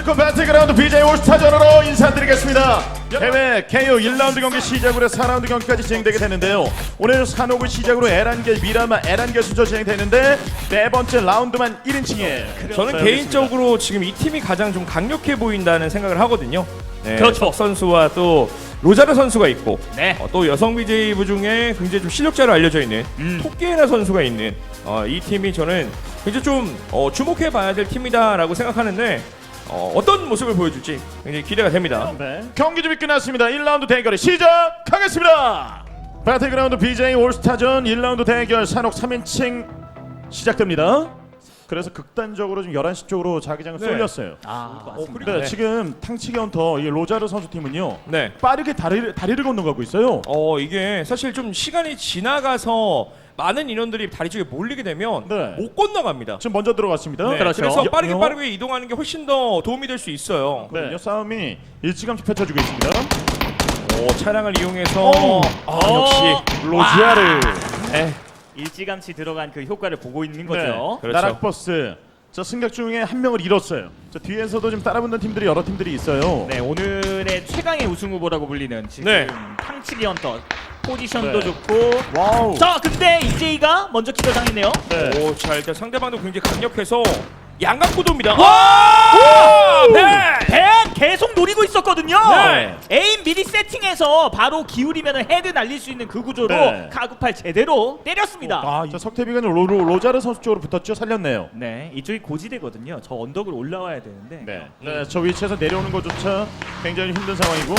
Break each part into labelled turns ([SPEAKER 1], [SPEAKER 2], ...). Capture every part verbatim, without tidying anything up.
[SPEAKER 1] 반갑고 배틀그라운드 비제이 올스타전으로 인사드리겠습니다. 해외 케이오 일 라운드 경기 시작으로 사 라운드 경기까지 진행되게 되는데요. 오늘 산옥을 시작으로 에란겔, 미라마, 에란겔 순서 진행되는데 네 번째 라운드만 일 인칭에
[SPEAKER 2] 저는 개인적으로 지금 이 팀이 가장 좀 강력해 보인다는 생각을 하거든요. 네,
[SPEAKER 3] 그렇죠.
[SPEAKER 2] 석 선수와 또 로자르 선수가 있고
[SPEAKER 3] 네.
[SPEAKER 2] 어, 또 여성 비제이부 중에 굉장히 좀 실력자로 알려져 있는
[SPEAKER 3] 음.
[SPEAKER 2] 토끼에나 선수가 있는 어, 이 팀이 저는 굉장히 좀 어, 주목해봐야 될 팀이다라고 생각하는데 어, 어떤 모습을 보여줄지 굉장히 기대가 됩니다.
[SPEAKER 1] 네. 경기 준비 끝났습니다. 일 라운드 대결이 시작하겠습니다. 배틀그라운드 비제이 올스타전 일 라운드 대결 산옥 삼 인칭 시작됩니다. 그래서 극단적으로 좀 열한 시 쪽으로 자기장을
[SPEAKER 2] 네.
[SPEAKER 1] 쏠렸어요.
[SPEAKER 3] 아,
[SPEAKER 2] 어,
[SPEAKER 3] 맞습니다.
[SPEAKER 2] 그리고
[SPEAKER 1] 네,
[SPEAKER 2] 네.
[SPEAKER 1] 지금 탕치기 헌터 이 로자르 선수 팀은요.
[SPEAKER 2] 네.
[SPEAKER 1] 빠르게 다리를, 다리를 건너가고 있어요.
[SPEAKER 2] 어 이게 사실 좀 시간이 지나가서 많은 인원들이 다리 쪽에 몰리게 되면
[SPEAKER 1] 네.
[SPEAKER 2] 못 건너갑니다.
[SPEAKER 1] 지금 먼저 들어갔습니다.
[SPEAKER 2] 네,
[SPEAKER 3] 그렇죠.
[SPEAKER 2] 그래서 빠르게
[SPEAKER 1] 여-
[SPEAKER 2] 빠르게 이동하는 게 훨씬 더 도움이 될 수 있어요.
[SPEAKER 1] 네. 싸움이 일찌감치 펼쳐지고 있습니다.
[SPEAKER 2] 오, 차량을 이용해서
[SPEAKER 1] 오.
[SPEAKER 2] 아, 역시
[SPEAKER 1] 로자르.
[SPEAKER 2] 네.
[SPEAKER 3] 일찌감치 들어간 그 효과를 보고 있는 거죠.
[SPEAKER 2] 그렇죠.
[SPEAKER 1] 나락버스. 저 승격 중에 한 명을 잃었어요. 저 뒤에서도 좀 따라붙는 팀들이 여러 팀들이 있어요.
[SPEAKER 3] 네, 오늘의 최강의 우승 후보라고 불리는 지금
[SPEAKER 2] 네.
[SPEAKER 3] 탕치기 헌터 포지션도
[SPEAKER 1] 네.
[SPEAKER 3] 좋고.
[SPEAKER 1] 와우.
[SPEAKER 3] 자, 근데 이제이가 먼저 기절당했네요.
[SPEAKER 1] 네.
[SPEAKER 2] 오, 자 일단 상대방도 굉장히 강력해서 양각구도입니다.
[SPEAKER 3] 와!
[SPEAKER 2] 네.
[SPEAKER 3] 벤 계속 노리고 있었거든요.
[SPEAKER 2] 네.
[SPEAKER 3] 에임 미리 세팅해서 바로 기울이면 헤드 날릴 수 있는 그 구조로
[SPEAKER 1] 네.
[SPEAKER 3] 카구팔 제대로 때렸습니다.
[SPEAKER 1] 아, 저 석태비가 로, 로, 로자르 선수 쪽으로 붙었죠. 살렸네요.
[SPEAKER 3] 네, 이쪽이 고지대거든요. 저 언덕을 올라와야 되는데.
[SPEAKER 1] 네. 네, 저 위치에서 내려오는 것조차 굉장히 힘든 상황이고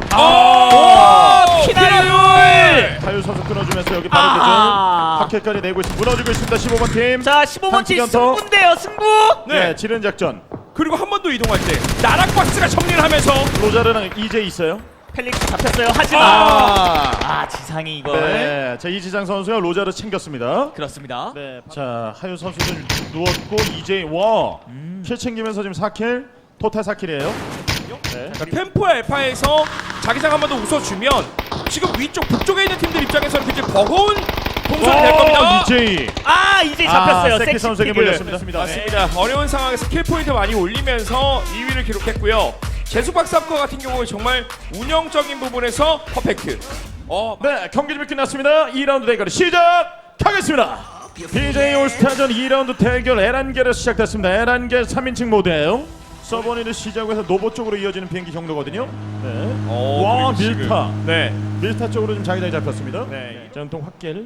[SPEAKER 2] 아,
[SPEAKER 3] 피나율!
[SPEAKER 1] 타율 선수 끊어주면서 여기 바로
[SPEAKER 3] 아.
[SPEAKER 1] 대전 파켓까지 내고 있습니다. 무너지고 있습니다. 십오 번 팀.
[SPEAKER 3] 자, 십오 번 팀
[SPEAKER 1] 탕치기 헌터.
[SPEAKER 3] 승부인데요, 승부.
[SPEAKER 1] 네,
[SPEAKER 2] 네.
[SPEAKER 1] 지른 작전.
[SPEAKER 2] 그리고 한 번 더 이동할 때 나락박스가 정리를 하면서
[SPEAKER 1] 로자르랑 이제 있어요.
[SPEAKER 3] 펠릭스 잡혔어요. 하지만
[SPEAKER 1] 아.
[SPEAKER 3] 아, 지상이 이걸.
[SPEAKER 1] 네, 자 이지장 선수가 로자르 챙겼습니다.
[SPEAKER 3] 그렇습니다.
[SPEAKER 1] 네, 자 하윤 선수는 누웠고 이제 와.
[SPEAKER 3] 음.
[SPEAKER 1] 킬 챙기면서 지금 사 킬, 토탈 사 킬이에요. 네.
[SPEAKER 2] 그러니까 템포 알파에서 자기장 한 번 더 웃어주면 지금 위쪽 북쪽에 있는 팀들 입장에서는 굉장히 버거운 동선이 될 겁니다.
[SPEAKER 1] 이제이.
[SPEAKER 3] 아, 이제 잡혔어요.
[SPEAKER 1] 아, 세키
[SPEAKER 3] 섹시
[SPEAKER 1] 선수에게
[SPEAKER 3] 킥을.
[SPEAKER 1] 물렸습니다.
[SPEAKER 2] 맞습니다. 어려운 상황에서 킬 포인트 많이 올리면서 이 위를 기록했고요. 제수박사과 같은 경우에 정말 운영적인 부분에서 퍼펙트. 어,
[SPEAKER 1] 네, 경기 준비 끝났습니다. 이 라운드 대결 시작하겠습니다. 비제이 올스타전 이 라운드 대결 에란겔에서 시작됐습니다. 에란겔 삼 인칭 모드예요. 서버니를 시작해서 노보 쪽으로 이어지는 비행기 경로거든요. 네.
[SPEAKER 2] 어,
[SPEAKER 1] 와,
[SPEAKER 2] 그리고 지금-
[SPEAKER 1] 밀타.
[SPEAKER 2] 네.
[SPEAKER 1] 밀타 쪽으로 좀 자기장이 잡혔습니다.
[SPEAKER 2] 네.
[SPEAKER 1] 전통 확길.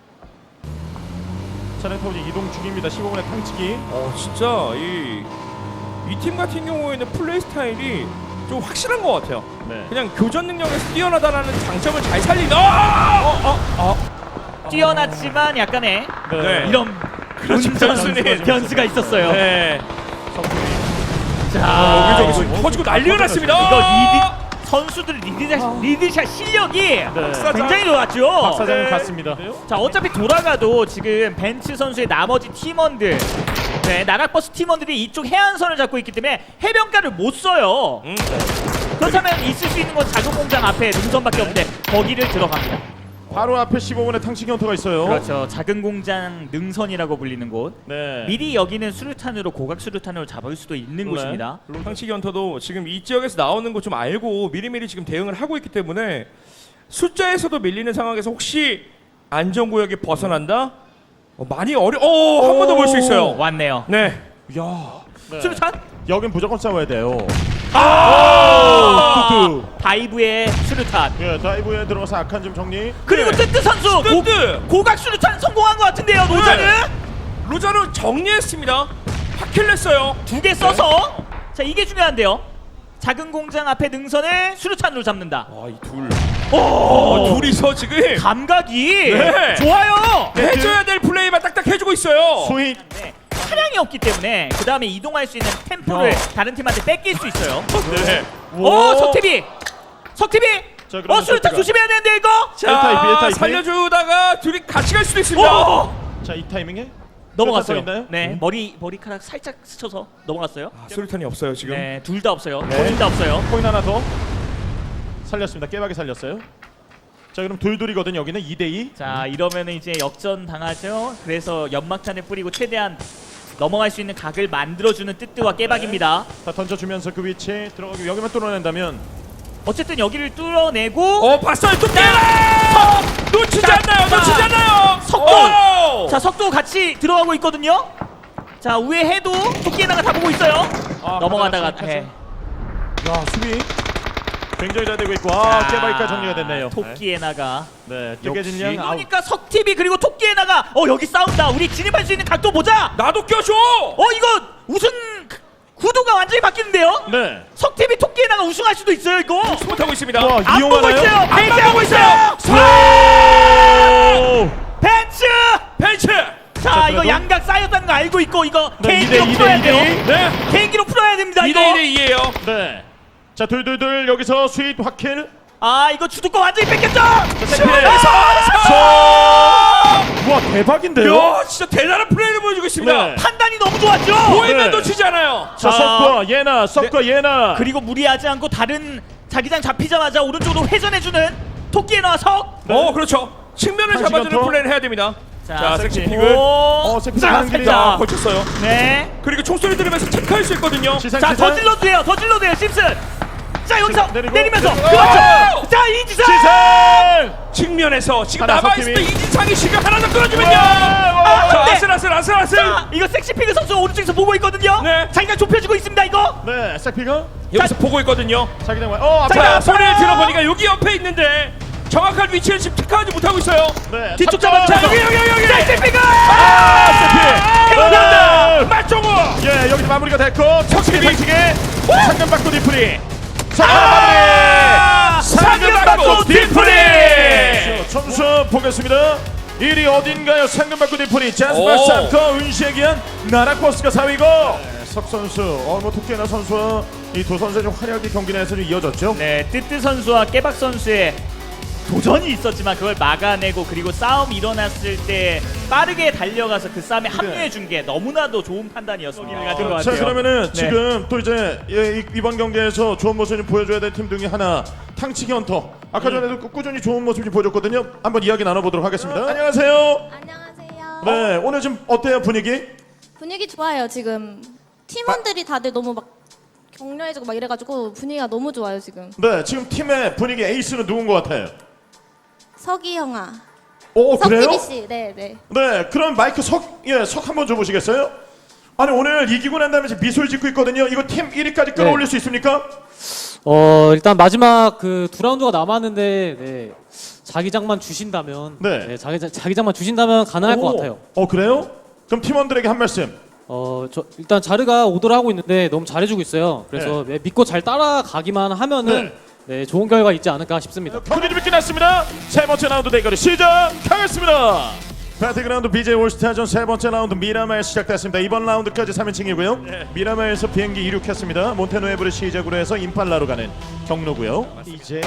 [SPEAKER 1] 차량 타고 이제 이동 중입니다. 십오 분의 탕치기.
[SPEAKER 2] 어, 진짜 이 이 팀 같은 경우에는 플레이 스타일이 좀 확실한 것 같아요.
[SPEAKER 1] 네.
[SPEAKER 2] 그냥 교전 능력에서 뛰어나다라는 장점을 잘 살린. 아! 어, 어, 어.
[SPEAKER 3] 뛰어났지만 약간의
[SPEAKER 2] 네.
[SPEAKER 3] 이런
[SPEAKER 2] 그렇죠. 변수는
[SPEAKER 3] 변수는 변수가 있었어요.
[SPEAKER 2] 네.
[SPEAKER 3] 자,
[SPEAKER 2] 아, 여기저기
[SPEAKER 1] 이거
[SPEAKER 2] 지금 터지고 난리가 났습니다.
[SPEAKER 3] 이거 리드 선수들 리드샷 리드샷 실력이 굉장히 좋았죠.
[SPEAKER 1] 박사장은
[SPEAKER 2] 네.
[SPEAKER 1] 갔습니다.
[SPEAKER 3] 자, 어차피 돌아가도 지금 벤츠 선수의 나머지 팀원들, 네, 나락버스 팀원들이 이쪽 해안선을 잡고 있기 때문에 해변가를 못 써요.
[SPEAKER 2] 음.
[SPEAKER 3] 그렇다면 있을 수 있는 건 작은 공장 앞에 능선밖에 없는데 거기를 들어갑니다.
[SPEAKER 1] 바로 앞에 십오 분의 탕치기 헌터가 있어요.
[SPEAKER 3] 그렇죠. 작은 공장 능선이라고 불리는 곳.
[SPEAKER 1] 네.
[SPEAKER 3] 미리 여기는 수류탄으로 고각 수류탄으로 잡을 수도 있는
[SPEAKER 1] 네.
[SPEAKER 3] 곳입니다.
[SPEAKER 2] 상치기 헌터도 지금 이 지역에서 나오는 거 좀 알고 미리미리 지금 대응을 하고 있기 때문에 숫자에서도 밀리는 상황에서 혹시 안전구역이 벗어난다? 어, 많이 어려. 어, 한 번 더 볼 수 있어요.
[SPEAKER 3] 왔네요.
[SPEAKER 2] 네.
[SPEAKER 1] 야. 네.
[SPEAKER 3] 수류탄?
[SPEAKER 1] 여긴 무조건 싸워야 돼요.
[SPEAKER 2] 아!
[SPEAKER 1] 뚜뚜.
[SPEAKER 3] 다이브의 수류탄.
[SPEAKER 1] 예, 다이브에 들어가서 악한 점 정리.
[SPEAKER 3] 그리고
[SPEAKER 2] 네.
[SPEAKER 3] 뜨뜨 선수 고,
[SPEAKER 2] 뜨뜨!
[SPEAKER 3] 고각 수류탄 성공한 것 같은데요, 노자는
[SPEAKER 2] 네. 로자르 정리했습니다. 파킬 냈어요.
[SPEAKER 3] 두 개 써서 자, 이게 중요한데요. 작은 공장 앞에 능선을 수류탄으로 잡는다.
[SPEAKER 2] 아, 이 둘.
[SPEAKER 3] 오,
[SPEAKER 2] 어, 둘이서 지금
[SPEAKER 3] 감각이
[SPEAKER 2] 네.
[SPEAKER 3] 좋아요.
[SPEAKER 2] 해줘야 될 플레이만 딱딱 해주고 있어요.
[SPEAKER 1] 스윗.
[SPEAKER 3] 네, 차량이 없기 때문에 그 다음에 이동할 수 있는 템포를
[SPEAKER 1] 야.
[SPEAKER 3] 다른 팀한테 뺏길 수 있어요.
[SPEAKER 2] 네.
[SPEAKER 3] 오, 석티비, 석티비.
[SPEAKER 1] 자, 그러면
[SPEAKER 3] 어, 수류탄
[SPEAKER 1] 석티가.
[SPEAKER 3] 조심해야 되는데 이거.
[SPEAKER 2] 자,
[SPEAKER 1] 일 타입, 일 타입.
[SPEAKER 2] 살려주다가 둘이 같이 갈 수도 있습니다.
[SPEAKER 3] 오,
[SPEAKER 1] 자, 이 타이밍에
[SPEAKER 3] 넘어갔어요.
[SPEAKER 1] 수류탄 서 있나요?
[SPEAKER 3] 네,
[SPEAKER 1] 음.
[SPEAKER 3] 머리 머리카락 살짝 스쳐서 넘어갔어요.
[SPEAKER 2] 아, 수류탄이 없어요 지금.
[SPEAKER 3] 네, 둘 다 없어요.
[SPEAKER 1] 네.
[SPEAKER 3] 둘 다 없어요.
[SPEAKER 1] 코인 하나 더 살렸습니다. 깨박이 살렸어요. 자, 그럼 둘둘이거든. 여기는 이 대 이.
[SPEAKER 3] 자, 이러면은 이제 역전 당하죠. 그래서 연막탄을 뿌리고 최대한 넘어갈 수 있는 각을 만들어주는 뜨뜨와 깨박입니다.
[SPEAKER 1] 다 던져주면서 그 위치 들어가기 여기만 뚫어낸다면
[SPEAKER 3] 어쨌든 여기를 뚫어내고
[SPEAKER 2] 어 봤어요 뚝배라 놓치지
[SPEAKER 3] 자,
[SPEAKER 2] 않나요
[SPEAKER 3] 자,
[SPEAKER 2] 놓치지 않나요
[SPEAKER 3] 석도!
[SPEAKER 2] 오!
[SPEAKER 3] 자 석도 같이 들어가고 있거든요. 자 우회 해도 토끼에나가 다 보고 있어요.
[SPEAKER 1] 아,
[SPEAKER 3] 넘어가다가
[SPEAKER 1] 가다가
[SPEAKER 3] 네.
[SPEAKER 1] 야 수비 굉장히 잘 되고 있고 아
[SPEAKER 3] 자,
[SPEAKER 1] 깨바이까 정리가 됐네요.
[SPEAKER 3] 토끼에나가
[SPEAKER 1] 네 뜨개진 양 아웃.
[SPEAKER 3] 그러니까 석티비 그리고 토끼에나가 어 여기 싸운다. 우리 진입할 수 있는 각도 보자.
[SPEAKER 2] 나도 껴줘
[SPEAKER 3] 어 이거 우승 구도가 완전히 바뀌는데요.
[SPEAKER 1] 네.
[SPEAKER 3] 석티비 토끼에나가 우승할 수도 있어요 이거.
[SPEAKER 2] 못하고 있습니다
[SPEAKER 1] 와
[SPEAKER 3] 안 보고
[SPEAKER 1] 이용하나요?
[SPEAKER 3] 있어요.
[SPEAKER 2] 안
[SPEAKER 3] 벤치
[SPEAKER 2] 보고 있어요
[SPEAKER 1] 오!
[SPEAKER 3] 벤츠.
[SPEAKER 2] 벤츠
[SPEAKER 3] 자
[SPEAKER 1] 자,
[SPEAKER 3] 이거
[SPEAKER 1] 그래도?
[SPEAKER 3] 양각 쌓였다는 거 알고 있고 이거
[SPEAKER 1] 네,
[SPEAKER 3] 개인기로
[SPEAKER 1] 이 대 이,
[SPEAKER 3] 풀어야
[SPEAKER 1] 이 대
[SPEAKER 3] 돼요.
[SPEAKER 1] 이.
[SPEAKER 2] 네
[SPEAKER 3] 개인기로 풀어야 됩니다
[SPEAKER 2] 이
[SPEAKER 3] 이거.
[SPEAKER 2] 대 이 대 이예요
[SPEAKER 1] 네. 자 둘둘둘 여기서 스윗 확킬.
[SPEAKER 3] 아 이거 주도권 완전히 뺏겼죠.
[SPEAKER 1] 와 대박인데요.
[SPEAKER 2] 야 진짜 대단한 플레이를 보여주고 있습니다
[SPEAKER 1] 네.
[SPEAKER 3] 판단이 너무 좋았죠.
[SPEAKER 2] 보이면
[SPEAKER 1] 네.
[SPEAKER 2] 놓치지 않아요
[SPEAKER 1] 자
[SPEAKER 3] 아.
[SPEAKER 1] 석과 예나 석과 예나.
[SPEAKER 3] 그리고 무리하지 않고 다른 자기장 잡히자마자 오른쪽으로 회전해주는 토끼에나와 석.
[SPEAKER 2] 어 그렇죠 측면을
[SPEAKER 1] 한
[SPEAKER 2] 잡아주는
[SPEAKER 1] 시간 더.
[SPEAKER 2] 플레이를 해야 됩니다 자
[SPEAKER 1] 섹시.
[SPEAKER 2] 섹시픽을
[SPEAKER 1] 어, 섹시
[SPEAKER 3] 자,
[SPEAKER 1] 가는 길이
[SPEAKER 3] 살짝.
[SPEAKER 2] 자 걸쳤어요
[SPEAKER 3] 네.
[SPEAKER 2] 그리고 총소리 들으면서 체크할 수 있거든요
[SPEAKER 1] 시상
[SPEAKER 3] 자,
[SPEAKER 1] 시상.
[SPEAKER 3] 더 질러도 돼요. 더 질러도 돼요. 심슨. 자, 여기서
[SPEAKER 1] 내리고.
[SPEAKER 3] 내리면서.
[SPEAKER 1] 내리고.
[SPEAKER 3] 그렇죠. 자, 이지상.
[SPEAKER 1] 시상.
[SPEAKER 2] 측면에서 지금
[SPEAKER 1] 하나
[SPEAKER 2] 남아있을 때
[SPEAKER 1] 석팀이.
[SPEAKER 2] 이진상이 지금 하나 더 끌어주면요
[SPEAKER 1] 와,
[SPEAKER 2] 자
[SPEAKER 3] 네.
[SPEAKER 2] 아슬아슬 아슬아슬
[SPEAKER 3] 자, 이거 섹시피그 선수 오른쪽에서 보고 있거든요.
[SPEAKER 2] 네.
[SPEAKER 3] 자기장 좁혀지고 있습니다, 이거.
[SPEAKER 1] 네 싹피가
[SPEAKER 2] 여기서 보고 있거든요
[SPEAKER 1] 자기장 와. 어
[SPEAKER 3] 자,
[SPEAKER 1] 앞에.
[SPEAKER 2] 자 소리를 들어보니까 여기 옆에 있는데 정확한 위치를 지금 체크하지 못하고 있어요
[SPEAKER 1] 네.
[SPEAKER 3] 뒤쪽
[SPEAKER 1] 삼 점.
[SPEAKER 3] 잡아.
[SPEAKER 2] 자 여기 여기 여기 여기
[SPEAKER 3] 섹시피그.
[SPEAKER 1] 아 세피.
[SPEAKER 2] 그런다 맞종우
[SPEAKER 1] 예 여기서 마무리가 됐고 석심이
[SPEAKER 2] 석심이.
[SPEAKER 1] 상식에 상금 받고 디프리. 자
[SPEAKER 2] 아!
[SPEAKER 1] 마무리. 상금 받고
[SPEAKER 2] 받고
[SPEAKER 1] 디프리.
[SPEAKER 2] 디프리.
[SPEAKER 1] 점수 보겠습니다. 일 위 어딘가요? 상금 받고 디프리.
[SPEAKER 2] 오.
[SPEAKER 1] 잔스바 삼커 은시에 기한 나라코스가 사 위고. 네, 석 선수 어뭐 토끼나 선수와 이 두 선수의 좀 활약이 경기 내에서 좀 이어졌죠.
[SPEAKER 3] 네, 뜨뜨 선수와 깨박 선수의 도전이 있었지만 그걸 막아내고 그리고 싸움이 일어났을 때 빠르게 달려가서 그 싸움에 합류해 준 게 너무나도 좋은 판단이었습니다. 가진 것
[SPEAKER 1] 자
[SPEAKER 3] 같아요.
[SPEAKER 1] 그러면은
[SPEAKER 3] 네.
[SPEAKER 1] 지금 또 이제 예, 이- 이번 경기에서 좋은 모습을 좀 보여줘야 될 팀 중에 하나 탕치기 헌터 아까 전에도 꾸- 꾸준히 좋은 모습 좀 보여줬거든요. 한번 이야기 나눠보도록 하겠습니다. 안녕하세요.
[SPEAKER 4] 안녕하세요.
[SPEAKER 1] 네 오늘 좀 어때요 분위기?
[SPEAKER 4] 분위기 좋아요 지금. 팀원들이 다들 너무 막 격려해주고 막 이래가지고 분위기가 너무 좋아요 지금.
[SPEAKER 1] 네 지금 팀의 분위기 에이스는 누군 것 같아요?
[SPEAKER 4] 석이 형아.
[SPEAKER 1] 오 그래요?
[SPEAKER 4] 석기비 씨. 네 네.
[SPEAKER 1] 네 그럼 마이크 석예석 한번 줘보시겠어요? 아니 오늘 이기고 난 다음에 지금 미소를 짓고 있거든요. 이거 팀 일 위까지 끌어올릴 수 있습니까?
[SPEAKER 5] 어 일단 마지막 그 두 라운드가 남았는데 네, 자기장만 주신다면
[SPEAKER 1] 네.
[SPEAKER 5] 네, 자기 자기장만 주신다면 가능할
[SPEAKER 1] 오.
[SPEAKER 5] 것 같아요.
[SPEAKER 1] 어 그래요? 그럼 팀원들에게 한 말씀.
[SPEAKER 5] 어저 일단 자르가 오더를 하고 있는데 너무 잘해주고 있어요. 그래서 네, 믿고 잘 따라가기만 하면은 네, 좋은 결과 있지 않을까 싶습니다.
[SPEAKER 1] 경기 준비 끝났습니다. 세 번째 라운드 대결이 시작하겠습니다. 배틀그라운드 비제이 올스타전 세 번째 라운드 미라마에 시작됐습니다. 이번 라운드까지 삼 인칭이고요. 미라마에서 비행기 이륙했습니다. 몬테노에브를 시작으로 해서 임팔라로 가는 경로고요. 이제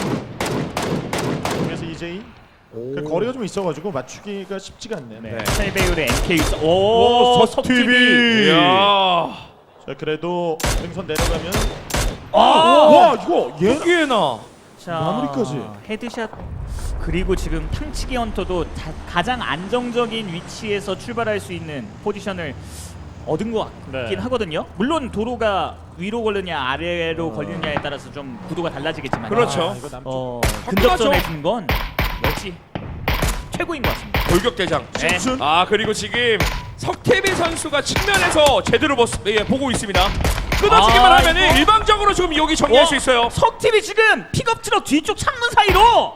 [SPEAKER 1] 그래서 이제 그 거리가 좀 있어가지고 맞추기가 쉽지가 않네요.
[SPEAKER 3] 네. 셀베율의 엠케이 오,
[SPEAKER 1] 오,
[SPEAKER 3] 석티비.
[SPEAKER 1] 석티비.
[SPEAKER 2] 이야
[SPEAKER 1] 자 그래도 능선 내려가면
[SPEAKER 3] 아!
[SPEAKER 1] 와 이거 얘
[SPEAKER 2] 여기에나
[SPEAKER 3] 자,
[SPEAKER 1] 마무리까지.
[SPEAKER 3] 헤드샷 그리고 지금 탕치기 헌터도 자, 가장 안정적인 위치에서 출발할 수 있는 포지션을 얻은 것 같긴
[SPEAKER 1] 네.
[SPEAKER 3] 하거든요. 물론 도로가 위로 걸리냐 아래로 걸리느냐에 따라서 좀 구도가 달라지겠지만
[SPEAKER 2] 그렇죠.
[SPEAKER 1] 아, 이거 남쪽.
[SPEAKER 3] 어,
[SPEAKER 2] 화끈하죠.
[SPEAKER 3] 근접전에 준 건 역시 최고인 것 같습니다.
[SPEAKER 2] 돌격대장
[SPEAKER 3] 네.
[SPEAKER 1] 순?
[SPEAKER 2] 아 그리고 지금 석태빈 선수가 측면에서 제대로 보, 예, 보고 있습니다 끊어지기만
[SPEAKER 3] 아,
[SPEAKER 2] 하면은
[SPEAKER 3] 이거?
[SPEAKER 2] 일방적으로 지금 여기 정리할
[SPEAKER 3] 어?
[SPEAKER 2] 수 있어요
[SPEAKER 3] 석팀이 지금 픽업 트럭 뒤쪽 창문 사이로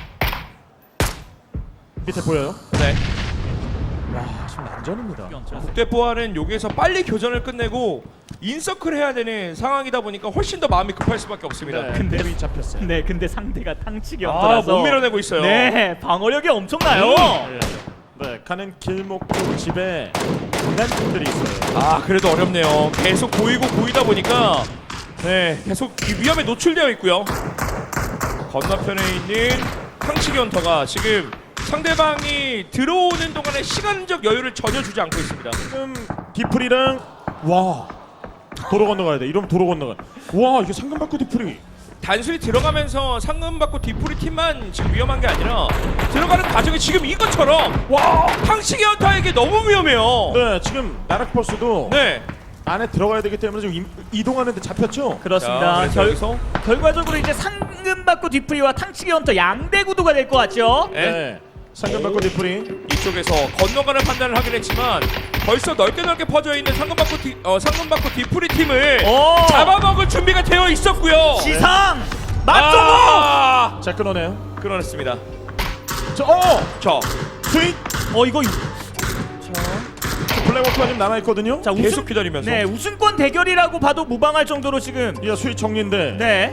[SPEAKER 1] 밑에 보여요?
[SPEAKER 2] 네
[SPEAKER 1] 야 지금 난전입니다.
[SPEAKER 2] 국대포와는 여기에서 빨리 교전을 끝내고 인서클 해야 되는 상황이다 보니까 훨씬 더 마음이 급할 수밖에 없습니다
[SPEAKER 1] 네,
[SPEAKER 3] 근데-
[SPEAKER 1] 근데 잡혔어요.
[SPEAKER 3] 네, 근데 상대가 탕치기
[SPEAKER 2] 아,
[SPEAKER 3] 헌터라서
[SPEAKER 2] 못 밀어내고 있어요.
[SPEAKER 3] 네, 방어력이 엄청나요.
[SPEAKER 1] 예. 네, 가는 길목 쪽 집에 장난품들이 있어요.
[SPEAKER 2] 아 그래도 어렵네요 계속 보이고 보이다 보니까 네 계속 이 위험에 노출되어 있고요 건너편에 있는 탕치기 헌터가 지금 상대방이 들어오는 동안에 시간적 여유를 전혀 주지 않고 있습니다
[SPEAKER 1] 지금 디프리랑 와 도로 건너가야 돼. 이러면 도로 건너가. 와 이게 상금받고 디프리.
[SPEAKER 2] 단순히 들어가면서 상금받고 뒤풀이 팀만 지금 위험한 게 아니라 들어가는 과정이 지금 이것처럼 와 탕치기 헌터에게 게 너무 위험해요.
[SPEAKER 1] 네, 지금 나락버스도
[SPEAKER 2] 네.
[SPEAKER 1] 안에 들어가야 되기 때문에 지금 임- 이동하는데 잡혔죠.
[SPEAKER 3] 그렇습니다.
[SPEAKER 2] 자,
[SPEAKER 3] 결,
[SPEAKER 2] 여기서
[SPEAKER 3] 결과적으로 이제 상금 받고 뒤풀이와 탕치기 헌터 양대 구도가 될 것 같죠?
[SPEAKER 2] 네.
[SPEAKER 1] 네. 상금 받고 뒤풀이.
[SPEAKER 2] 이쪽에서 건너가는 판단을 하긴 했지만 벌써 넓게 넓게 퍼져 있는 상금 받고 뒤 어, 상금 받고 뒤풀이 팀을
[SPEAKER 3] 오!
[SPEAKER 2] 잡아먹을 준비가 되어 있었고요.
[SPEAKER 3] 지상 맞종호.
[SPEAKER 2] 아!
[SPEAKER 1] 자, 끊어내요.
[SPEAKER 2] 끊어냈습니다.
[SPEAKER 1] 자, 어!
[SPEAKER 2] 자,
[SPEAKER 1] 스윗!
[SPEAKER 3] 어 이거
[SPEAKER 1] 블랙워크가 좀 남아있거든요.
[SPEAKER 3] 자
[SPEAKER 2] 계속
[SPEAKER 3] 우승
[SPEAKER 2] 기다리면서.
[SPEAKER 3] 네 우승권 대결이라고 봐도 무방할 정도로 지금
[SPEAKER 1] 이거 스윗 정리인데.
[SPEAKER 3] 네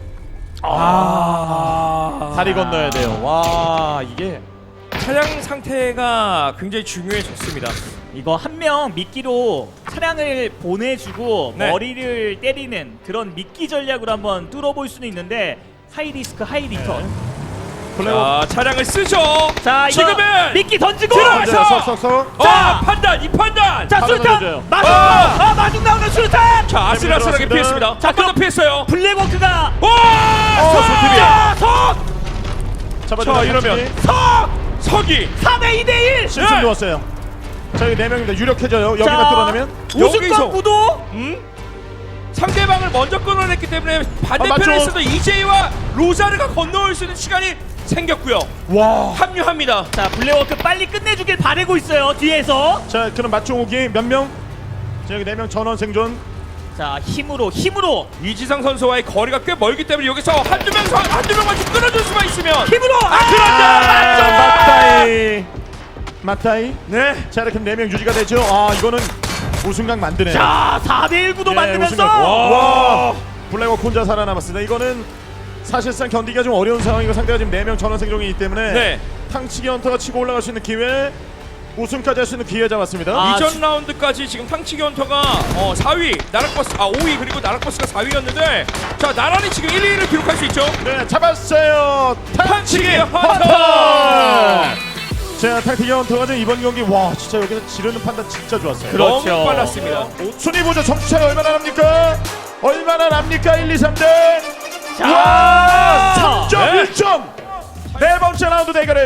[SPEAKER 2] 아.
[SPEAKER 1] 다리 건너야 돼요. 와, 이게.
[SPEAKER 2] 차량 상태가 굉장히 중요해졌습니다.
[SPEAKER 3] 이거 한 명 미끼로 차량을 보내주고
[SPEAKER 2] 네.
[SPEAKER 3] 머리를 때리는 그런 미끼 전략으로 한번 뚫어볼 수는 있는데 하이 리스크 하이 리턴.
[SPEAKER 1] 블랙워크.
[SPEAKER 2] 자, 차량을 쓰죠.
[SPEAKER 3] 자 이거
[SPEAKER 2] 지금은
[SPEAKER 3] 미끼 던지고.
[SPEAKER 2] 들어가서!
[SPEAKER 1] 쏙쏙쏙.
[SPEAKER 2] 어,
[SPEAKER 3] 자!
[SPEAKER 2] 판단, 이 판단.
[SPEAKER 3] 자
[SPEAKER 1] 바로
[SPEAKER 3] 수류탄
[SPEAKER 1] 던져줘요.
[SPEAKER 3] 마중
[SPEAKER 2] 아!
[SPEAKER 3] 아 마중 나오는 수류탄.
[SPEAKER 2] 자, 아슬아슬하게
[SPEAKER 1] 들어갔습니다.
[SPEAKER 2] 피했습니다.
[SPEAKER 3] 자,
[SPEAKER 2] 한 번 더
[SPEAKER 3] 그럼-
[SPEAKER 2] 피했어요.
[SPEAKER 3] 블랙워크가
[SPEAKER 2] 와!
[SPEAKER 1] 어,
[SPEAKER 2] 석!
[SPEAKER 1] 손톱이.
[SPEAKER 3] 자 석!
[SPEAKER 1] 잡아줘.
[SPEAKER 2] 자, 이러면
[SPEAKER 3] 석!
[SPEAKER 2] 석이
[SPEAKER 3] 삼 대 이 대 일!
[SPEAKER 1] 심슨
[SPEAKER 2] 네.
[SPEAKER 1] 누웠어요. 자, 여기 네 명입니다. 유력해져요. 여기가
[SPEAKER 3] 자,
[SPEAKER 1] 뚫어내면.
[SPEAKER 2] 여기서.
[SPEAKER 3] 우승권 구도?
[SPEAKER 2] 음? 상대방을 먼저 끊어냈기 때문에
[SPEAKER 1] 아,
[SPEAKER 2] 반대편에서도 이제이와 로자르가 건너올 수 있는 시간이 생겼고요.
[SPEAKER 1] 와.
[SPEAKER 2] 합류합니다.
[SPEAKER 3] 자 블랙워크 빨리 끝내주길 바라고 있어요 뒤에서.
[SPEAKER 1] 자, 그럼 맞종욱이 몇 명? 자, 여기 네 명 전원 생존.
[SPEAKER 3] 자 힘으로 힘으로
[SPEAKER 2] 이지상 선수와의 거리가 꽤 멀기 때문에 여기서 한두 명서 한두 명만 좀 끊어줄 수만 있으면
[SPEAKER 3] 힘으로. 아,
[SPEAKER 1] 아, 맞다이. 맞다이.
[SPEAKER 2] 네.
[SPEAKER 1] 자, 이렇게 네 명 유지가 되죠. 아, 이거는 우승각 만드네요.
[SPEAKER 3] 자 사 대 일 구도
[SPEAKER 1] 예,
[SPEAKER 3] 만들면서.
[SPEAKER 1] 우승각. 와. 블랙워크 혼자 살아남았습니다. 이거는 사실상 견디기가 좀 어려운 상황이고 상대가 지금 네 명 전원 생존이기 때문에
[SPEAKER 2] 네.
[SPEAKER 1] 탕치기 헌터가 치고 올라갈 수 있는 기회, 우승까지 할 수 있는 기회 잡았습니다.
[SPEAKER 3] 아,
[SPEAKER 2] 이전
[SPEAKER 3] 지-
[SPEAKER 2] 라운드까지 지금 탕치기 헌터가 어, 사 위, 나락버스 아 오 위 그리고 나락버스가 사 위였는데 자 나란히 지금 일 위를 기록할 수 있죠.
[SPEAKER 1] 네, 잡았어요. 탕치기
[SPEAKER 2] 탕치기
[SPEAKER 1] 헌터.
[SPEAKER 2] 헌터!
[SPEAKER 1] 자, 탕치기 헌터가 지금 이번 경기 와 진짜 여기서 지르는 판단 진짜 좋았어요.
[SPEAKER 3] 그렇죠.
[SPEAKER 2] 너무 빨랐습니다.
[SPEAKER 1] 순위 보죠. 점수 차이 얼마나 납니까? 얼마나 납니까? 일, 이, 삼 등.
[SPEAKER 3] 자.
[SPEAKER 1] 와, 삼 점
[SPEAKER 2] 네.
[SPEAKER 1] 일 점. 네 번째 라운드 대결을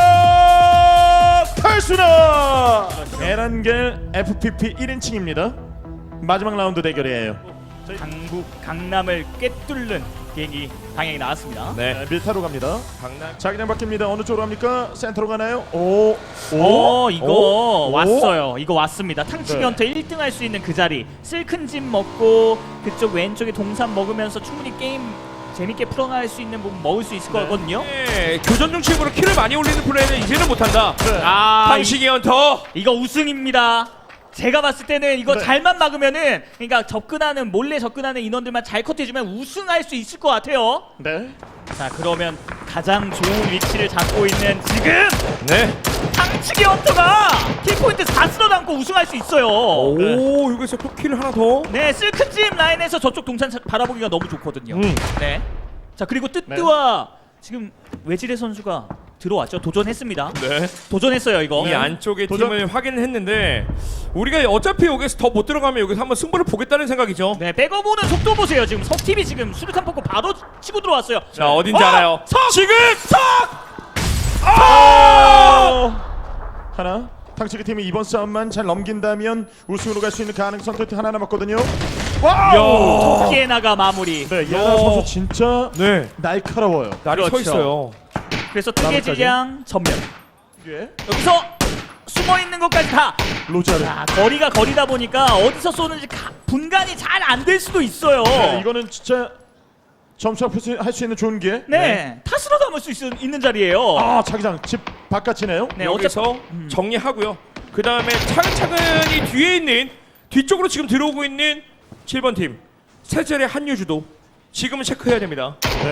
[SPEAKER 1] 시작하겠습니다. 에란겔 에프피피 일 인칭입니다. 마지막 라운드 대결이에요.
[SPEAKER 3] 강북 강남을 꿰뚫는 비행기 방향이 나왔습니다.
[SPEAKER 2] 네.
[SPEAKER 1] 네, 밀타로 갑니다.
[SPEAKER 2] 강남.
[SPEAKER 1] 자기장 바뀝니다. 어느 쪽으로 갑니까? 센터로 가나요? 오,
[SPEAKER 3] 오, 이거
[SPEAKER 1] 오?
[SPEAKER 3] 왔어요. 이거 왔습니다. 탕치기
[SPEAKER 1] 네.
[SPEAKER 3] 헌터 일 등 할 수 있는 그 자리. 실큰집 먹고 그쪽 왼쪽에 동산 먹으면서 충분히 게임 재밌게 풀어나갈 수 있는 부분 먹을 수 있을
[SPEAKER 1] 네.
[SPEAKER 3] 거거든요.
[SPEAKER 2] 네, 교전 중심으로 킬을 많이 올리는 플레이는 이제는 못한다.
[SPEAKER 1] 네.
[SPEAKER 3] 아,
[SPEAKER 2] 탕치기 헌터.
[SPEAKER 3] 이, 이거 우승입니다. 제가 봤을 때는 이거
[SPEAKER 1] 네.
[SPEAKER 3] 잘만 막으면은 그러니까 접근하는 몰래 접근하는 인원들만 잘 커트해주면 우승할 수 있을 것 같아요.
[SPEAKER 1] 네.
[SPEAKER 3] 자 그러면 가장 좋은 위치를 잡고 있는 지금
[SPEAKER 2] 네.
[SPEAKER 3] 탕치기 헌터가 킬포인트 다 쓸어담고 우승할 수 있어요.
[SPEAKER 2] 오, 여기서 또 킬을 하나 더.
[SPEAKER 3] 네, 실큰집 라인에서 저쪽 동산 차- 바라보기가 너무 좋거든요.
[SPEAKER 2] 음.
[SPEAKER 3] 네. 자 그리고 뜨뜨와 지금 외지레 선수가 들어왔죠. 도전했습니다.
[SPEAKER 2] 네.
[SPEAKER 3] 도전했어요 이거.
[SPEAKER 2] 이 안쪽의
[SPEAKER 1] 도전.
[SPEAKER 2] 팀을 확인을 했는데 우리가 어차피 여기서 더 못 들어가면 여기서 한번 승부를 보겠다는 생각이죠.
[SPEAKER 3] 네, 백업 오는 속도 보세요. 지금 석팀이 지금 수류탄 뽑고 바로 치고 들어왔어요.
[SPEAKER 2] 자, 어딘지
[SPEAKER 3] 어!
[SPEAKER 2] 알아요.
[SPEAKER 3] 석!
[SPEAKER 2] 지금 석!
[SPEAKER 1] 어! 하나. 탕치기 팀이 이번 싸움만 잘 넘긴다면 우승으로 갈 수 있는 가능성도 하나 남았거든요. 와!
[SPEAKER 2] 야.
[SPEAKER 3] 피에나가 마무리.
[SPEAKER 1] 네,
[SPEAKER 2] 야.
[SPEAKER 1] 예나 선수 진짜
[SPEAKER 2] 네.
[SPEAKER 1] 날카로워요.
[SPEAKER 2] 날이 서
[SPEAKER 3] 그렇죠.
[SPEAKER 2] 있어요.
[SPEAKER 3] 그래서
[SPEAKER 1] 나머지까지.
[SPEAKER 3] 뜨개질량 전면.
[SPEAKER 1] 예.
[SPEAKER 3] 여기서 숨어 있는 것까지 다.
[SPEAKER 1] 로자르.
[SPEAKER 3] 자, 거리가 거리다 보니까 어디서 쏘는지 가- 분간이 잘 안 될 수도 있어요.
[SPEAKER 1] 네, 이거는 진짜 점수 할 수 있는 좋은 기회.
[SPEAKER 3] 네, 탓으로 담을 수 있, 있는 자리예요.
[SPEAKER 1] 아, 자기장 집 바깥이네요.
[SPEAKER 3] 네,
[SPEAKER 2] 여기서
[SPEAKER 3] 어차피 음.
[SPEAKER 2] 정리하고요. 그 다음에 차근차근히 뒤에 있는 뒤쪽으로 지금 들어오고 있는 칠 번 팀 세젤의 한유주도 지금은 체크해야 됩니다.
[SPEAKER 1] 네.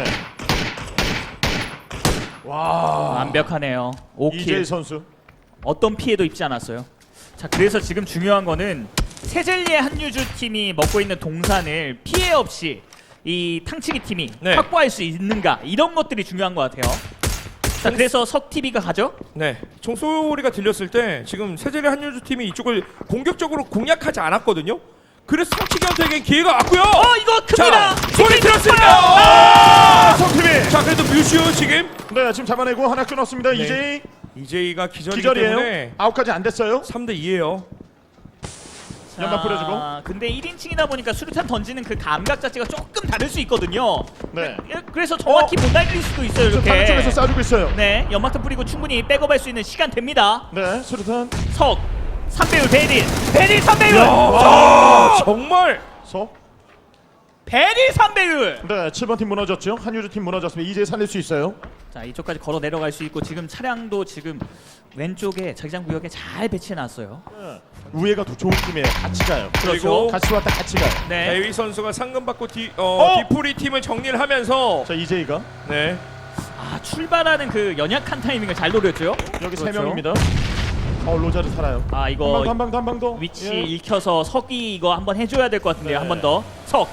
[SPEAKER 1] 와.
[SPEAKER 3] 완벽하네요. 오 킬.
[SPEAKER 1] 이재희 선수.
[SPEAKER 3] 어떤 피해도 입지 않았어요. 자, 그래서 지금 중요한 거는 세젤리의 한유주 팀이 먹고 있는 동산을 피해 없이 이 탕치기 팀이
[SPEAKER 2] 네.
[SPEAKER 3] 확보할 수 있는가 이런 것들이 중요한 것 같아요. 자, 그래서 석티비가 가죠.
[SPEAKER 2] 네, 총소리가 들렸을 때 지금 세젤의 한유주 팀이 이쪽을 공격적으로 공략하지 않았거든요. 그래서 탕치기한테에겐 기회가 왔고요.
[SPEAKER 3] 어, 이거 큽니다.
[SPEAKER 2] 자, 소리 들었습니다.
[SPEAKER 1] 아, 성팀이.
[SPEAKER 2] 자, 그래도 뮤슈 지금
[SPEAKER 1] 네, 지금 잡아내고 하나 끊었습니다.
[SPEAKER 2] 네.
[SPEAKER 1] 이재희.
[SPEAKER 2] 이제이가 기절이기
[SPEAKER 1] 기절이에요.
[SPEAKER 2] 때문에
[SPEAKER 1] 아웃까지 안 됐어요.
[SPEAKER 2] 삼 대 이예요.
[SPEAKER 1] 연막 뿌려주고.
[SPEAKER 3] 아, 근데 일 인칭이다 보니까 수류탄 던지는 그 감각 자체가 조금 다를 수 있거든요.
[SPEAKER 1] 네.
[SPEAKER 3] 예, 그래서 정확히 못 날릴 수도 있어요.
[SPEAKER 1] 저 다른
[SPEAKER 3] 이렇게.
[SPEAKER 1] 쪽에서 쏴주고 있어요.
[SPEAKER 3] 네, 연막탄 뿌리고 충분히 백업할 수 있는 시간 됩니다.
[SPEAKER 1] 네, 수류탄.
[SPEAKER 3] 석 삼 배율 베릴 베릴 삼 배율
[SPEAKER 2] 아, 정말
[SPEAKER 1] 서.
[SPEAKER 3] 베릴 삼 배율.
[SPEAKER 1] 네, 칠 번 팀 무너졌죠. 한유주 팀 무너졌습니다. 이제 살릴 수 있어요.
[SPEAKER 3] 자, 이쪽까지 걸어 내려갈 수 있고 지금 차량도 지금 왼쪽에 자기장 구역에 잘 배치해 놨어요.
[SPEAKER 1] 네. 우회가 더 좋은 팀이에요. 같이 가요.
[SPEAKER 2] 그리고
[SPEAKER 1] 같이 왔다 같이 가요.
[SPEAKER 3] 네.
[SPEAKER 2] 대위 선수가 상금 받고 디, 어,
[SPEAKER 1] 어?
[SPEAKER 2] 디프리 팀을 정리를 하면서
[SPEAKER 1] 자, 이제이가
[SPEAKER 2] 네.
[SPEAKER 3] 아, 출발하는 그 연약한 타이밍을 잘 노렸죠.
[SPEAKER 1] 여기 세
[SPEAKER 3] 그렇죠.
[SPEAKER 1] 명입니다. 어, 로자르 살아요.
[SPEAKER 3] 아,
[SPEAKER 1] 한
[SPEAKER 3] 이거
[SPEAKER 1] 방 더, 한 방 더, 한 방 더.
[SPEAKER 3] 위치
[SPEAKER 1] 예.
[SPEAKER 3] 읽혀서 석이 이거 한번 해줘야 될 것 같은데요.
[SPEAKER 1] 네.
[SPEAKER 3] 한 번 더. 석.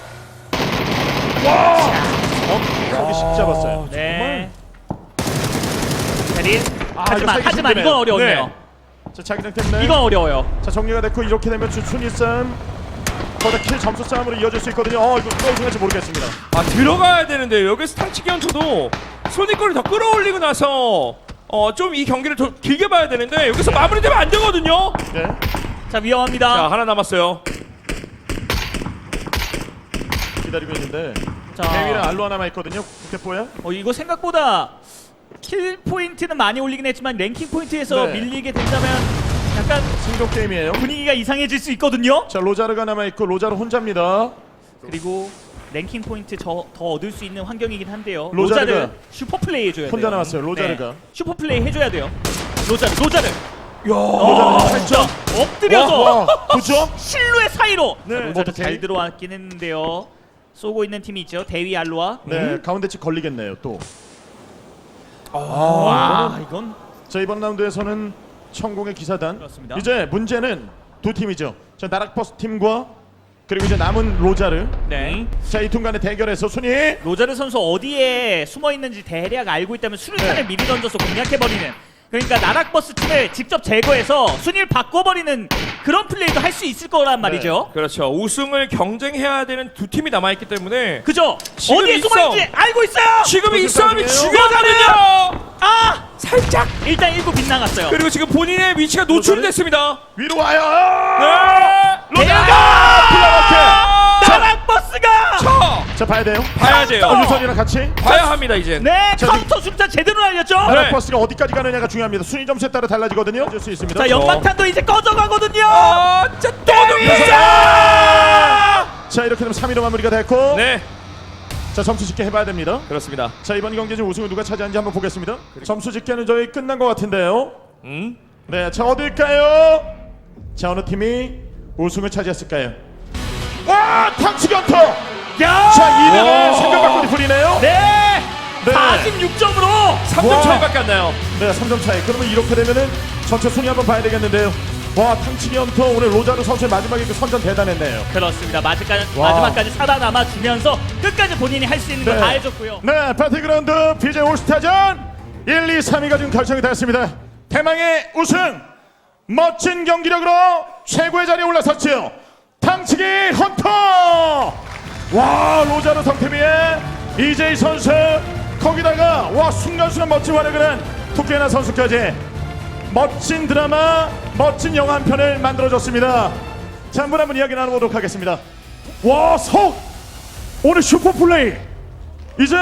[SPEAKER 1] 여기 식 잡았어요.
[SPEAKER 3] 네. 베릴.
[SPEAKER 1] 아,
[SPEAKER 3] 하지만
[SPEAKER 1] 이거
[SPEAKER 3] 하지만
[SPEAKER 1] 힘드네요.
[SPEAKER 3] 이건 어려웠네요.
[SPEAKER 1] 자, 자기장 때문에.
[SPEAKER 3] 이건 어려워요.
[SPEAKER 1] 자, 정리가 됐고 이렇게 되면 순위 싸움 거기다 킬 점수 싸움으로 이어질 수 있거든요. 어, 이거 또 우승할지 모르겠습니다.
[SPEAKER 2] 아 들어가야 되는데 여기서 탕치기 연투도 손익거리 더 끌어올리고 나서 어 좀 이 경기를 더 길게 봐야 되는데 여기서 마무리되면 안 되거든요.
[SPEAKER 1] 예.
[SPEAKER 3] 자, 위험합니다.
[SPEAKER 2] 자 하나 남았어요.
[SPEAKER 1] 기다리고 있는데
[SPEAKER 3] 자,
[SPEAKER 1] 대위랑 알로 하나만 있거든요. 국대포야.
[SPEAKER 3] 어, 이거 생각보다 킬 포인트는 많이 올리긴 했지만 랭킹 포인트에서
[SPEAKER 1] 네.
[SPEAKER 3] 밀리게 된다면 약간
[SPEAKER 1] 생존 게임이에요.
[SPEAKER 3] 분위기가 이상해질 수 있거든요.
[SPEAKER 1] 자, 로자르가 남아 있고 로자르 혼자입니다.
[SPEAKER 3] 그리고 랭킹 포인트 저, 더 얻을 수 있는 환경이긴 한데요.
[SPEAKER 1] 로자르가
[SPEAKER 3] 로자르 슈퍼 플레이 해줘야 돼요.
[SPEAKER 1] 혼자 남았어요, 로자르가.
[SPEAKER 3] 네. 슈퍼 플레이 해줘야 돼요. 로자르, 로자르.
[SPEAKER 1] 로자르 팔 점.
[SPEAKER 3] 엎드려서
[SPEAKER 1] 와, 구 점.
[SPEAKER 3] 실루엣 사이로.
[SPEAKER 1] 네.
[SPEAKER 3] 자, 로자르
[SPEAKER 1] 로자르
[SPEAKER 3] 잘
[SPEAKER 1] 대위.
[SPEAKER 3] 들어왔긴 했는데요. 쏘고 있는 팀이 있죠. 대위 알로아.
[SPEAKER 1] 네, 가운데 치 걸리겠네요. 또.
[SPEAKER 3] 와, 이건
[SPEAKER 1] 자, 이번 라운드에서는 천공의 기사단.
[SPEAKER 3] 그렇습니다.
[SPEAKER 1] 이제 문제는 두 팀이죠. 자, 나락버스 팀과 그리고 이제 남은 로자르.
[SPEAKER 3] 네.
[SPEAKER 1] 자, 이 팀 간의 대결에서 순위.
[SPEAKER 3] 로자르 선수 어디에 숨어 있는지 대략 알고 있다면 수류탄을
[SPEAKER 1] 네.
[SPEAKER 3] 미리 던져서 공략해버리는, 그러니까 나락버스 팀을 직접 제거해서 순위를 바꿔버리는 그런 플레이도 할 수 있을 거란 말이죠.
[SPEAKER 2] 그렇죠. 우승을 경쟁해야 되는 두 팀이 남아 있기 때문에
[SPEAKER 3] 그죠?
[SPEAKER 2] 지금
[SPEAKER 3] 어디에
[SPEAKER 2] 있어.
[SPEAKER 3] 숨어 있는지 알고 있어요.
[SPEAKER 2] 지금 이
[SPEAKER 1] 무슨
[SPEAKER 2] 싸움이
[SPEAKER 1] 싸움이에요?
[SPEAKER 2] 중요하거든요.
[SPEAKER 3] 아,
[SPEAKER 2] 살짝.
[SPEAKER 3] 일단 일 구 빗나갔어요.
[SPEAKER 2] 그리고 지금 본인의 위치가 노출이 됐습니다.
[SPEAKER 1] 위로 와요.
[SPEAKER 2] 네.
[SPEAKER 3] 로자르가
[SPEAKER 1] 플라워케.
[SPEAKER 3] 나락버스가
[SPEAKER 2] 자,
[SPEAKER 1] 자, 봐야 돼요.
[SPEAKER 2] 봐야 돼요.
[SPEAKER 1] 어, 유선이랑 같이.
[SPEAKER 2] 봐야 합니다 이제.
[SPEAKER 3] 네,
[SPEAKER 1] 자,
[SPEAKER 3] 카운터 수류탄 제대로 날렸죠.
[SPEAKER 2] 네.
[SPEAKER 1] 나락버스가 어디까지 가느냐가 중요합니다. 순위 점수에 따라 달라지거든요. 줄 수 있습니다.
[SPEAKER 3] 자, 연막탄도 이제 꺼져가거든요.
[SPEAKER 2] 아, 진짜 또
[SPEAKER 3] 자,
[SPEAKER 1] 자, 이렇게 되면 삼 위로 마무리가 됐고.
[SPEAKER 2] 네,
[SPEAKER 1] 자, 점수 집계 해봐야 됩니다.
[SPEAKER 2] 그렇습니다.
[SPEAKER 1] 자, 이번 경기 중 우승을 누가 차지하는지 한번 보겠습니다. 점수 집계는 저희 끝난 것 같은데요.
[SPEAKER 2] 음,
[SPEAKER 1] 네, 자, 어딜까요? 자, 어느 팀이 우승을 차지했을까요? 와, 탕치견터!
[SPEAKER 3] 야,
[SPEAKER 1] 자, 이 위는
[SPEAKER 2] 오.
[SPEAKER 1] 생각밖에 풀리네요.
[SPEAKER 3] 네,
[SPEAKER 1] 네.
[SPEAKER 3] 사십육 점으로.
[SPEAKER 2] 삼 점
[SPEAKER 1] 와.
[SPEAKER 2] 차이밖에 안 나요.
[SPEAKER 1] 네, 삼 점 차이. 그러면 이렇게 되면은 전체 순위 한번 봐야 되겠는데요. 와, 탕치견터 오늘 로자르 선수의 마지막에 그 선전 대단했네요.
[SPEAKER 3] 그렇습니다. 마지막까지,
[SPEAKER 1] 와.
[SPEAKER 3] 마지막까지 살아남아 주면서 끝까지 본인이 할 수 있는 거
[SPEAKER 1] 네.
[SPEAKER 3] 다 해줬고요.
[SPEAKER 1] 네, 배틀그라운드 비제이 올스타전 일, 이, 삼 위가 지금 결정이 되었습니다. 대망의 우승, 멋진 경기력으로 최고의 자리에 올라섰지요. 탕치기 헌터! 와, 로자르 성태비의 이제이 선수, 거기다가 와 순간순간 멋진 활약을 한 투케나 선수까지 멋진 드라마, 멋진 영화 한 편을 만들어줬습니다. 자, 한분 한 분 이야기 나눠보도록 하겠습니다. 와, 석! 오늘 슈퍼플레이! 이제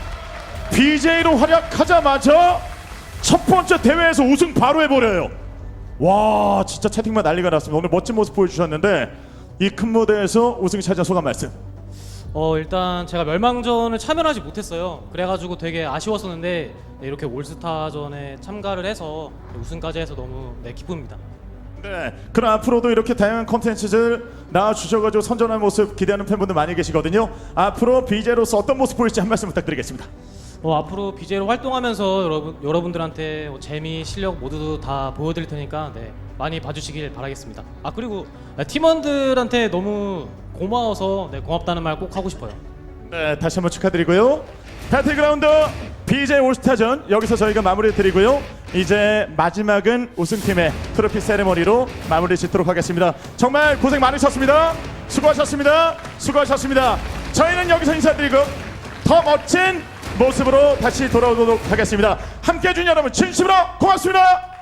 [SPEAKER 1] 비제이로 활약하자마자 첫 번째 대회에서 우승 바로 해버려요. 와, 진짜 채팅만 난리가 났습니다. 오늘 멋진 모습 보여주셨는데 이 큰 무대에서 우승 차지한 소감 말씀.
[SPEAKER 5] 어 일단 제가 멸망전을 참여하지 못했어요. 그래가지고 되게 아쉬웠었는데 네, 이렇게 올스타전에 참가를 해서 우승까지 해서 너무 네, 기쁩니다.
[SPEAKER 1] 네, 그럼 앞으로도 이렇게 다양한 콘텐츠들 나와주셔가지고 선전한 모습 기대하는 팬분들 많이 계시거든요. 앞으로 비제이로서 어떤 모습 보일지 한 말씀 부탁드리겠습니다.
[SPEAKER 5] 어, 앞으로 비제이로 활동하면서 여러분 여러분들한테 뭐 재미, 실력 모두 다 보여드릴 테니까 네, 많이 봐주시길 바라겠습니다. 아 그리고 네, 팀원들한테 너무 고마워서 네, 고맙다는 말 꼭 하고 싶어요.
[SPEAKER 1] 네, 다시 한번 축하드리고요. 배틀그라운드 비제이 올스타전 여기서 저희가 마무리 드리고요. 이제 마지막은 우승팀의 트로피 세레머니로 마무리 짓도록 하겠습니다. 정말 고생 많으셨습니다. 수고하셨습니다. 수고하셨습니다. 저희는 여기서 인사드리고 더 멋진 모습으로 다시 돌아오도록 하겠습니다. 함께해 준 여러분 진심으로 고맙습니다.